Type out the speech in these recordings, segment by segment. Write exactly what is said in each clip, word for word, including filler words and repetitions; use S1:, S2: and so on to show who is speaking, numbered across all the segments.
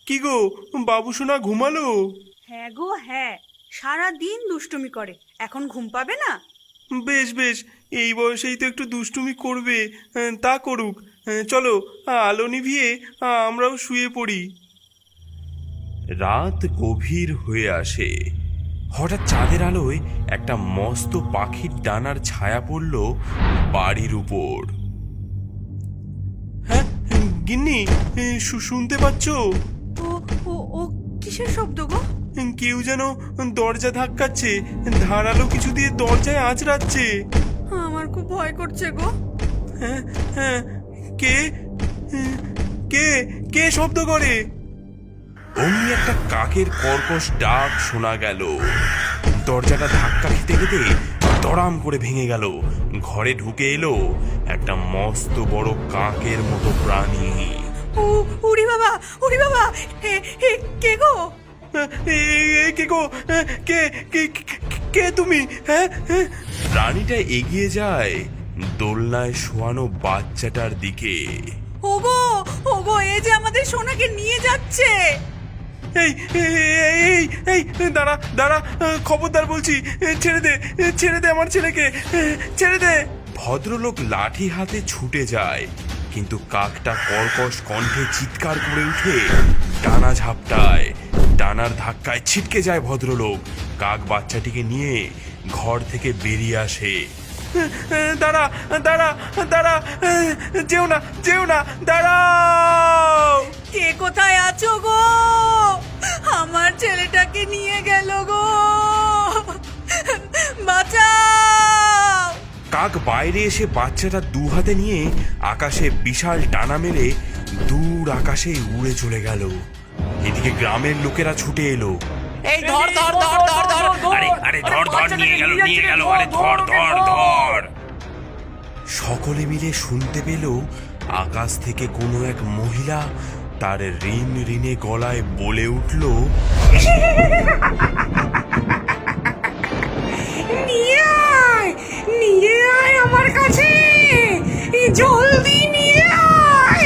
S1: কি গো, বাবু সোনা ঘুমালো?
S2: হ্যাঁ গো হ্যাঁ, সারা দিন দুষ্টুমি করে, এখন ঘুম পাবে না?
S1: বেশ বেশ, এই বয়সেই তো একটু দুষ্টুমি করবে, আহ, তা করুক। আহ, চলো, আহ, আলো নিভিয়ে আহ, আমরাও শুয়ে পড়ি। রাত গভীর হয়ে আসে। হঠাৎ চাঁদের আলোয় একটা মস্ত পাখির ডানার ছায়া পড়ল বাড়ির উপর। হ্যাঁ গিন্নি, শু- শুনতে পাচ্ছ?
S2: ও ও ও কিসের শব্দ গো?
S1: কেউ যেন দরজা ধাক্কাচ্ছে, ধারালো কিছু দিয়ে দরজায় আঁচড়াচ্ছে।
S2: আমার খুব ভয় করছে গো।
S1: হ্যাঁ হ্যাঁ, কে কে কে শব্দ করে? অমনি একটা কাকের কর্কশ ডাক শোনা গেল। দরজাটা ধাক্কা খেতে খেতে দড়াম করে ভেঙে গেল। ঘরে ঢুকে এলো একটা মস্ত বড় কাকের মতো প্রাণী।
S2: ও উড়ি বাবা, উড়ি বাবা, হে হে কে গো?
S1: এ, এ, কে গো? কে কে কে- কে তুমি? হ্যাঁ হ্যাঁ। প্রাণীটা এগিয়ে যায় দোলনায় শোয়ানো বাচ্চাটার দিকে।
S2: ওগো ওগো, এই যে আমাদের সোনাকে নিয়ে যাচ্ছে।
S1: এই এই এই এই দাঁড়া দাঁড়া, খবরদার বলছি, ছেড়ে দে, ছেড়ে দে আমার ছেলেকে, ছেড়ে দে। ভদ্রলোক লাঠি হাতে ছুটে যায়, কিন্তু কাকটা কর্কশ কণ্ঠে চিৎকার করে উঠে ডানা ঝাপটায়। ডানার ধাক্কায় ছিটকে যায় ভদ্রলোক। কাক বাচ্চাটিকে নিয়ে ঘর থেকে বেরিয়ে আসে। দাঁড়া দাঁড়া দাঁড়া, যেও না যেও না, দাঁড়াও।
S2: কে কোথায় আছো গো? আমার ছেলেটাকে নিয়ে গেল গো, বাঁচাও।
S1: কাক বাইরে এসে বাচ্চাটা দু হাতে নিয়ে আকাশে বিশাল ডানা মেলে দূর আকাশে উড়ে চলে গেল। এদিকে গ্রামের লোকেরা ছুটে এলো।
S3: এই ধর ধর ধর ধর ধর আরে আরে ধর ধর নিয়ে গেল নিয়ে গেল আরে ধর ধর ধর।
S1: সকলে মিলে শুনতে পেল আকাশ থেকে কোনো এক মহিলা তার ঋণ ঋণে গলায় বলে উঠল,
S2: নিয়ে আয়, নিয়ে আয় আমার কাছে, জলদি নিয়ে আয়।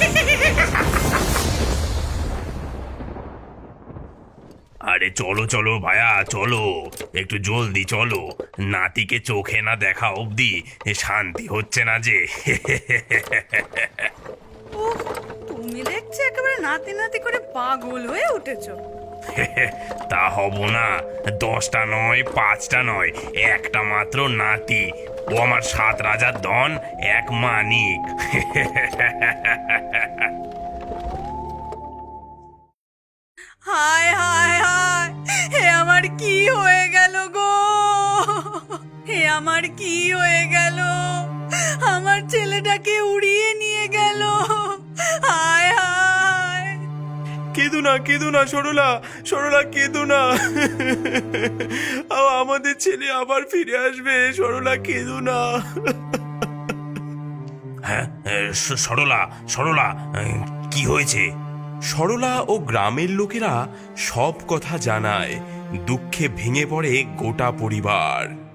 S3: আরে চলো চলো ভাইয়া চলো, একটু জলদি চলো, নাতিকে চোখে না দেখা অবধি শান্তি হচ্ছে না যে।
S2: উফ, তুমি দেখছি একেবারে নাতি নাতি করে পাগল হয়ে উঠেছো।
S3: তা হব না, দশটা নয় পাঁচটা নয়, একটা মাত্র নাতি, ও আমার সাত রাজার ধন, এক মানিক।
S2: হায় হায় হায়, হে আমার কি হয়ে গেল গো, হে আমার কি হয়ে গেল, আমার ছেলেটাকে উড়িয়ে নিয়ে গেল, হায় হায়।
S1: কেঁদো না কেঁদো না সরলা, সরলা কেঁদো না, আমাদের ছেলে আবার ফিরে আসবে, সরলা কেঁদো না।
S3: হ্যাঁ স- সরলা সরলা, কি হয়েছে?
S1: সরলা ও গ্রামের লোকেরা সব কথা জানায়। দুঃখে ভেঙে পড়ে গোটা পরিবার।